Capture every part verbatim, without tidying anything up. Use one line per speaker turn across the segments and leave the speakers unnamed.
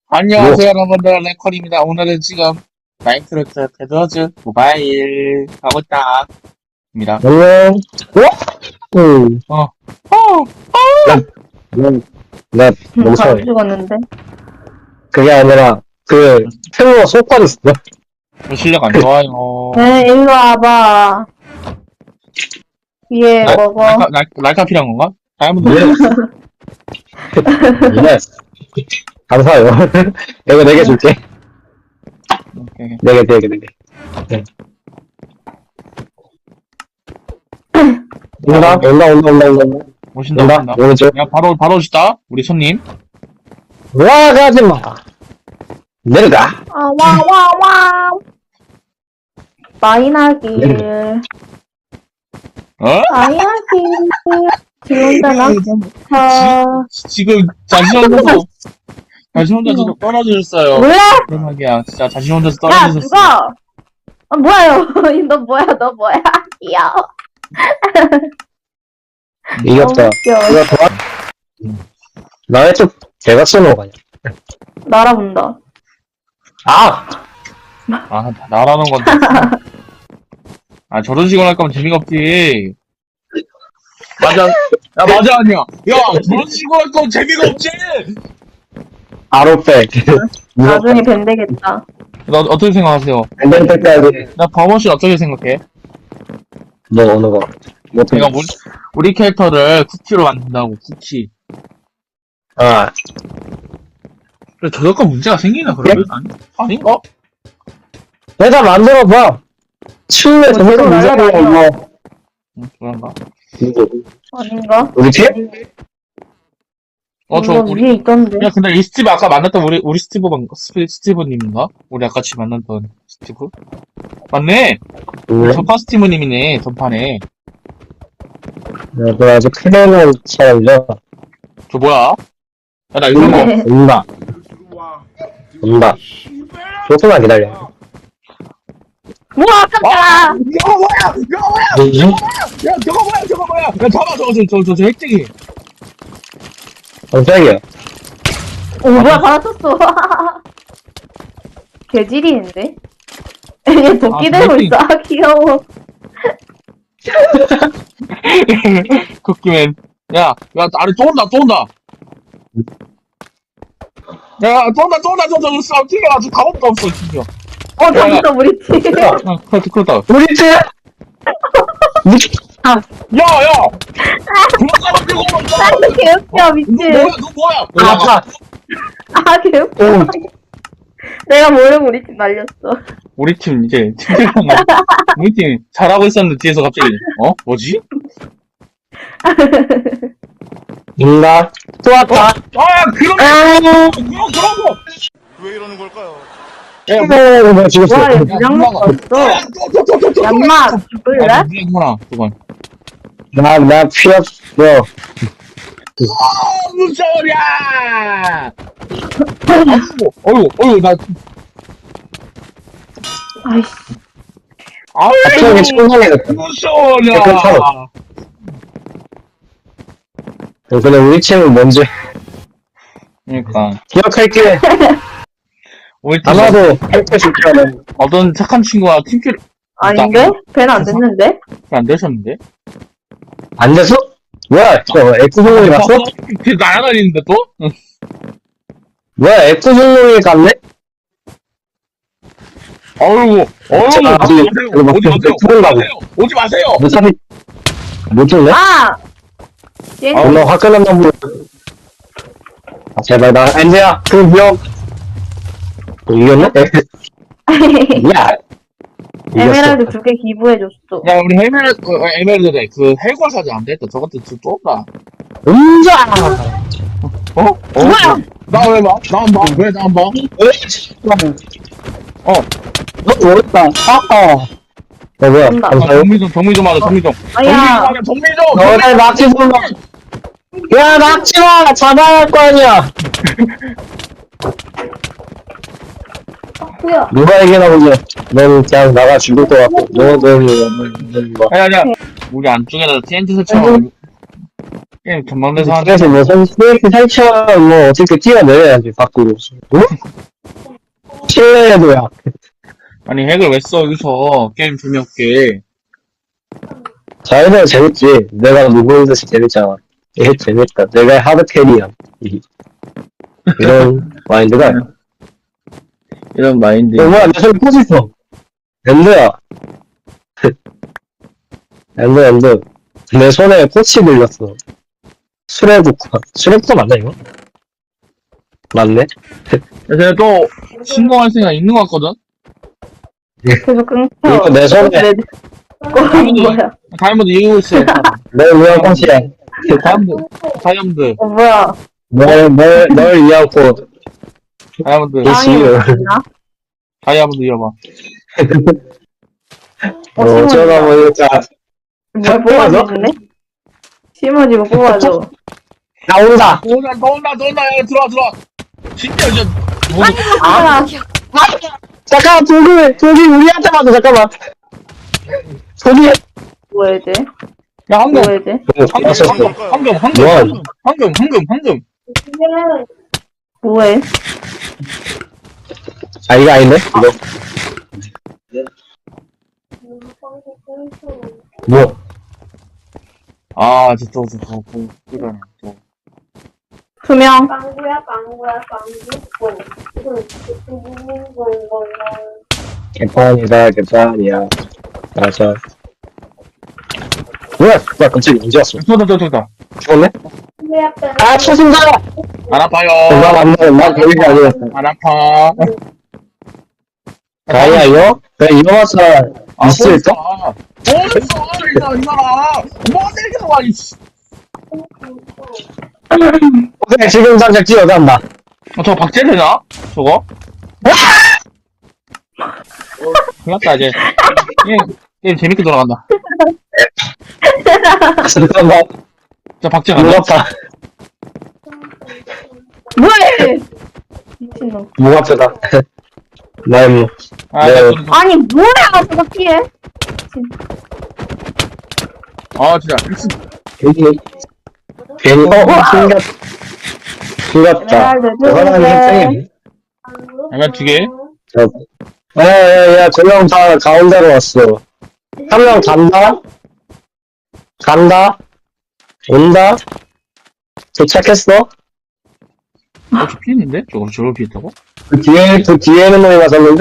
안녕하세요 여러분들, 랭컬입니다. 오늘은 지금 마인크래프트 배드워즈 모바일 하고 있다입니다.
안녕. 어? 응.
어, 어,
나, 나, 너무
바로
처해.
죽었는데.
그게 아니라, 그, 새우가 속발 있어.
저 실력 안 좋아요.
네, 일로 와봐. 위에
날-
먹어.
날카, 날, 날카 필요한 건가? 다이아몬드
예. 이네. 감사해요. 이거 네 개 줄게.
오케이.
네 개, 네 개, 네 개. 네. 온다, 온다, 온다, 온다, 온다.
오신다,
온다,
오신다.
오른쪽.
야, 바로, 바로 오시다. 우리 손님.
와, 가지 마. 내려가.
아, 와, 와, 와. 마이나길.
어?
마이나길. 들어온다나? 자,
지, 지금 자신 혼자서, 자신 혼자서 떨어지셨어요.
몰라?
대박이야. 진짜 자신 혼자서
야,
떨어지셨어.
죽어! 아, 뭐야요? 너 뭐야, 너 뭐야? 귀여워.
이겼다.
너무 귀여워.
이거 도와. 나의 쪽, 개가 쏘는 거 아니야.
날아본다.
아!
아, 나라는 건데. 아, 저런 식으로 할 거면 재미가 없지. 맞아. 야, 맞아, 아니야. 야, 저런 식으로 할 거면 재미가 없지.
아로백.
나중에 밴되겠다.
너 어떻게 생각하세요?
안될 때까지.
나 버머신 어떻게 생각해?
너 어느 거? 뭐,
내가 우리, 우리 캐릭터를 쿠키로 만든다고, 쿠키.
아,
그래, 저작권 문제가 생기나, 그러면? 아니, 아닌가?
내가 만들어봐. 추후에
뭐,
저거
저거
문제가
날라다녀.
뭐.
응, 그런가?
누구?
아닌가?
우리 팀?
어, 저,
이거
우리,
위에 있던데.
야, 근데 이 스티브 아까 만났던 우리, 우리 스티브, 방- 스티- 스티브님인가? 우리 아까 같이 만났던 스티브? 맞네!
응.
전판 스티브님이네, 전판에.
그 아주 크게는 사람이죠.
저 뭐야? 야, 나 이거 뭐.
온다. 온다. 조금만 기다려.
우와, 깜짝아!
저거 뭐야! 저거 뭐야!
뭐지?
야, 저거 뭐야! 저거 뭐야! 야, 잡아, 저거, 저, 저, 저, 저 핵쟁이!
깜짝이야.
오, 뭐야, 받아쳤어. 개질이인데? 얘 도끼
아,
들고
도끼.
있어. 아, 귀여워.
쿠키맨. 야, 야, 아래 또 온다, 또 온다! 야, 또 온다, 또 온다, 저, 저, 저, 튀겨라, 저 갑옷도 없어, 튀겨.
어, 잡았어, 우리 팀.
야, 그렇다, 그렇다.
우리 팀!
야, 야! 불가마 들고 온다!
아, 개웃겨,
너
미친.
뭐야, 너 뭐야!
아파!
아, 개웃겨.
오,
내가 모르고 우리 팀 날렸어.
우리 팀, 이제, 팀장, 우리 팀 잘하고 있었는데, 뒤에서 갑자기, 어? 뭐지?
인가? 또 왔다.
아, 그런 거! 그런, 그런 거!
왜 이러는 걸까요?
야, 뭐,
오, 뭐 죽었어.
와, 얘
야,
무장 먹고
야,
왔어.
또, 또, 또, 또, 또,
얌마, 죽을래?
아, 무리구나, 그건.
나, 나 피었어.
아, 무서워라! 아이고, 어이구, 어이구, 나,
아이씨.
갑자기
아이고,
청산해졌다.
무서워라!
근데 우리 팀은 뭔지
그러니까,
기억할게.
우리 팀,
아마도 할때 좋다는.
어떤 착한 친구가 팀킬
아닌데? 밴 안 됐는데?
안 되셨는데?
안 됐어? 뭐야, 저 엑스송이 갔어?
그 날아다니는데 또? 응.
뭐야, 엑스송이 갔네?
어이구, 어이구,
제가
오지
아직
마세요,
이거 막
오지 마세요, 오지
들어가고.
마세요, 오지 마세요!
못 잡이, 못 줄래?
아! 얘,
아,
얼마 화끈한 놈. 아, 제발, 나, 엔지야, 그 기억. 어, 이겼네? 야! 이겼어.
에메랄드 두 개 기부해줬어.
야, 우리 에메랄드, 어, 에메랄드래. 그, 해골 사지 안 됐다. 저것도 또 좁다.
음자!
어? 어?
뭐야?
나 왜 봐? 나 안 봐? 왜 나 안 봐?
어. 너 뭐였다? 아까. 어, 뭐야?
온다.
아,
감사해요.
정미 좀, 정미 좀 하자, 정미 좀. 정미 좀
아야.
하자, 정미 좀!
너네 낙지 쏘마. 야, 낙지 마! 잡아야 할 거 아니야!
뭐야?
누가 이기나 보지? 넌 그냥 나가 죽을 것 같고. 너는, 너는, 뭐.
아니, 아니야. 우리 안쪽에다 티엔티 설치하고. 게임 전망대에서 하는
그래서 뭐, 스네이크 살처럼 뭐, 어떻게 뛰어내려야지, 밖으로. 어? 실내에도야.
아니 핵을 왜 써 여기서 게임 재미없게.
자연스레 재밌지. 내가 누구인듯이 재밌잖아. 이게 재밌다. 내가 하드 캐리야. 이- 이런 마인드가.
이런 마인드.
어, 뭐야, 내 손에 포즈 있어. 엔드야. 엔드, 엔드. 내 손에 꽃이 물렸어. 수레국화. 수레국화 맞나, 이거? 맞네?
그래서 또 신고할 생각 있는 것 같거든.
계속 끊겨.
이거 내 손에.
내, 어, 뭐야.
다이아몬드 이기고 있어요.
내 위한 꽃이야.
다이아몬드, 다이아몬드,
어, 뭐야.
널, 널, 널 위한 꽃.
다이아몬드,
이-
땅이
지금.
없나?
다이아몬드 이어봐.
어,
어쩌다
심어지다.
보니까.
뭘 뽑아주는데? 심어지고 뽑아줘.
나온다!
또 온다, 또 온다, 또 온다. 야, 들어와, 들어와. 진짜 이제 뭐,
아,
잠깐만, 독일, 독일 우리한테 맞아, 잠깐만. 독일.
뭐 해야 돼?
야, 황금,
뭐 해야 돼?
황금, 황금, 황금, 황금,
뭐야?
황금, 황금, 황금, 황금.
뭐 해?
아, 이거 아닌데? 이거. 뭐?
아, 진짜, 저, 저, 저, 저, 그러네, 저.
투명.
빵구야 빵구야 빵구
개판이다, 개판이야. 맞아. 뭐야? 나 갑자기 언제 왔어?
쏘다, 쏘다, 쏘다.
죽었네?
빵구야 빵구
아, 초승자!
안 아파요.
나 맞네, 난 독일이 아니었어.
안 아파.
아니야, 이거? 왜 이거 왔어?
아,
있을까?
뭐 있어? 뭐 있어? 이거, 이거라. 뭐 이렇게 좋아, 이씨.
오케이, 지금 당장 뛰어간다.
어, 저거 박제되나? 저거? 큰일 났다, 이제. 게임, 게임 재밌게 돌아간다.
잠깐만,
저 박제 간다.
무겁다.
뭐해! 미친놈.
무겁다. 나 임무.
아,
네.
나 저는 저-
아니, 뭐야! 저거 피해?
아, 진짜. 미친.
괜히, 괜히, 어, 숨겼, 숨겼다.
에메랄드
저 사람이
두 개.
학생이네.
야면 두 개.
저, 야, 야, 야, 두 명 다 가운데로 왔어. 한 명 간다? 간다? 온다? 도착했어?
어, 저 피했는데? 저거, 저걸 피했다고?
그 뒤에, 그 뒤에 있는 놈이 맞았는데?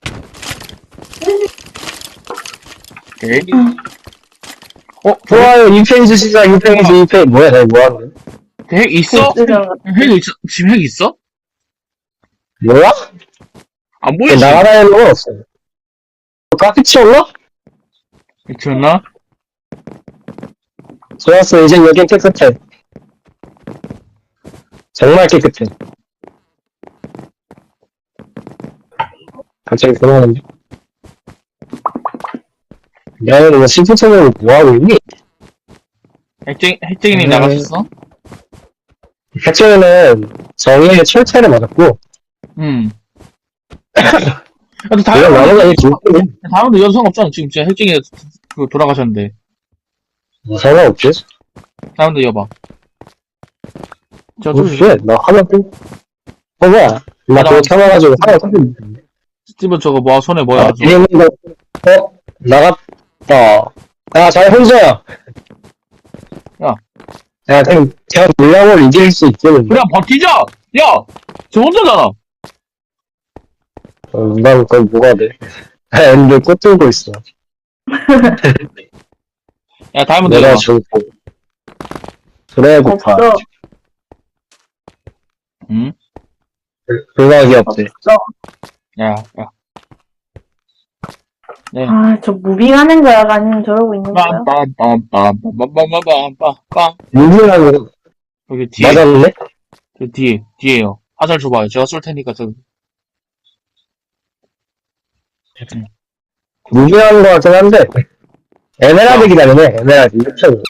오케이. 어,
좋아요, 이 페이지 시작, 이 페이지, 이 페이지. 뭐야, 내가 뭐하는 거야?
핵 있어? 핵 있어? 지금 핵 있어?
뭐야?
안 보이지?
나가다니는 건 없어. 카피 치웠나?
미쳤나?
좋았어, 이제 여긴 깨끗해. 정말 깨끗해. 갑자기 그러는데. 야, 너 시프트로 뭐하고 있니?
핵쟁이, 핵쟁이님
음.
나가셨어?
해체는 정의의 철퇴를 맞았고,
응. 야, 너
내가
다이아몬드,
나는 아니, 진짜
다이아몬드 연상 없잖아. 지금 진짜 핵쟁이 그 돌아가셨는데.
상관없지?
다이아몬드 이어봐. 저,
뭐,
좀,
왜? 나 하나 또, 어, 뭐야? 나 그거 켜놔가지고 하나 또,
스티븐 저거 뭐, 손에 뭐야?
아, 뒤에 있는 거, 어? 나갔다. 야, 잘 혼자야.
야.
야, 그냥, 그냥 물량을 이길 수 있겠는데.
그냥 버티자! 야! 저 혼자잖아!
어, 난 그건 뭐가 돼? 아, 엔드 꽃 들고 있어.
야, 다이아몬드
내가
이어봐.
죽고. 드래고파.
없어.
응?
불가기 없대.
없어.
야, 야. 네.
아, 저 무빙하는 거야? 아니면 저러고 있는 거야?
빰빰빰빰빰빰빰빰빰.
무빙하는 거
여기 뒤에,
맞았네?
그 뒤에, 뒤에요. 화살 줘봐요. 제가 쏠 테니까 저,
무빙하는 거 같긴 한데. 에메랄드 기다리네, 에메랄드. 이렇게.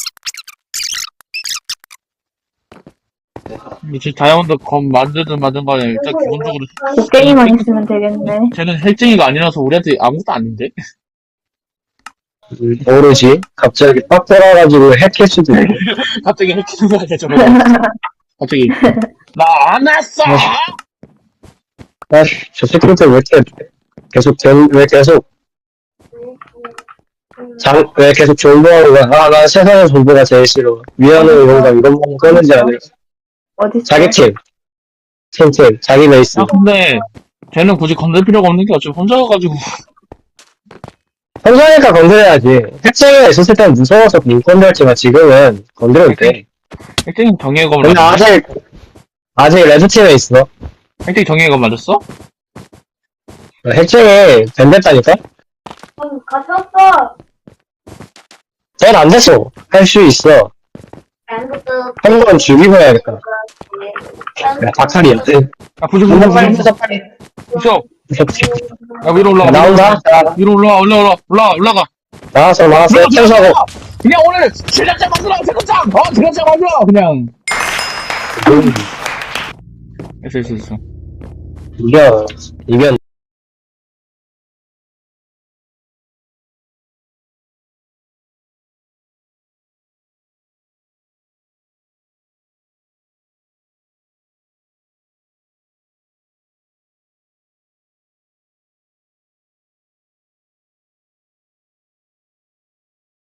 미친 다이아몬드 검 만들든 만든 거는 일단 기본적으로
곡괭이만 있으면 되겠네.
쟤는 핵쟁이가 아니라서 우리한테 아무것도 아닌데?
음, 모르지. 갑자기 빡 돌아가지고 핵할 수도 있고.
갑자기 해키는 거 아니야, 저거. 갑자기. 나 안 왔어!
아, 저 새끼들 왜 이렇게 계속, 전- 왜 계속, 장, 왜 계속 존버하는 거야? 아, 난 세상에 존버가 제일 싫어. 미안해, 이런가, 이런 거 끊는지 안 해.
어디
자기 팀. 팀, 팀. 자기 베이스.
야, 근데, 쟤는 굳이 건들 필요가 없는 게 어차피 혼자 가가지고.
평소니까 건드려야지. 핵쟁이가 있었을 때는 무서워서 못 건드렸지만 지금은 건드려도 돼.
핵쟁이 정예검을
근데
맞았어?
아직, 아직 레드팀에 있어.
핵쟁이 정예검 맞았어?
핵쟁이 밴됐다니까?
응, 갇혔어.
쟤는 안 됐어. 할 수 있어.
앵그도.
한 번 죽이고 해야겠다. 야, 박살이야.
야, 부족,
한
부족,
번
부족.
빨리
부족.
무섭지.
야, 위로 올라가.
나온다? 자,
위로 올라와, 올라와, 올라와, 올라가.
나왔어, 나왔어. 템사고.
그냥 오늘 제작자 만들어, 제작자! 어, 제작자 만들어! 그냥. 됐어, 됐어, 됐어.
이겨. 이겨.